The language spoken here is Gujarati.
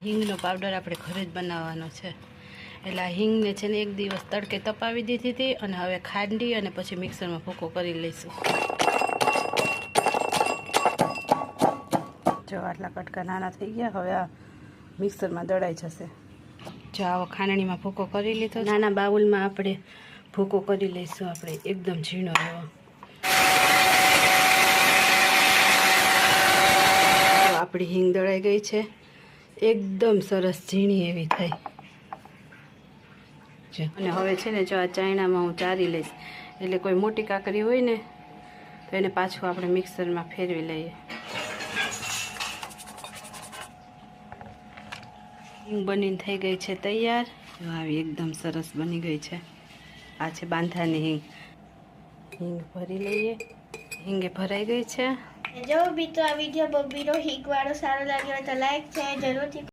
હિંગનો પાવડર આપણે ઘરે જ બનાવવાનો છે, એટલે આ હિંગને છે ને એક દિવસ તડકે તપાવી દીધી હતી અને હવે ખાંડી અને પછી મિક્સરમાં ભૂકો કરી લઈશું. જો આટલા કટકા નાના થઈ ગયા, હવે આ મિક્સરમાં દળાઈ જશે. જો આવો ખાંડણીમાં ભૂકો કરી લીધો, નાના બાઉલમાં આપણે ભૂકો કરી લઈશું, આપણે એકદમ ઝીણો એવો. આપણી હિંગ દળાઈ ગઈ છે, એકદમ સરસ ઝીણી એવી થઈ. અને હવે છે ને જો આ ચાયણામાં હું ચારી લઈશ, એટલે કોઈ મોટી કાકરી હોય ને તો એને પાછું આપણે મિક્સરમાં ફેરવી લઈએ. હિંગ બનીને થઈ ગઈ છે તૈયાર. જો આવી એકદમ સરસ બની ગઈ છે. આ છે બાંધાની હિંગ. હિંગ ભરી લઈએ. હિંગે ભરાઈ ગઈ છે. જો મિત્રો આ વિડીયો બબીનો હિંગ વાળો સારો લાગ્યો તો લાઈક છે જરૂરથી.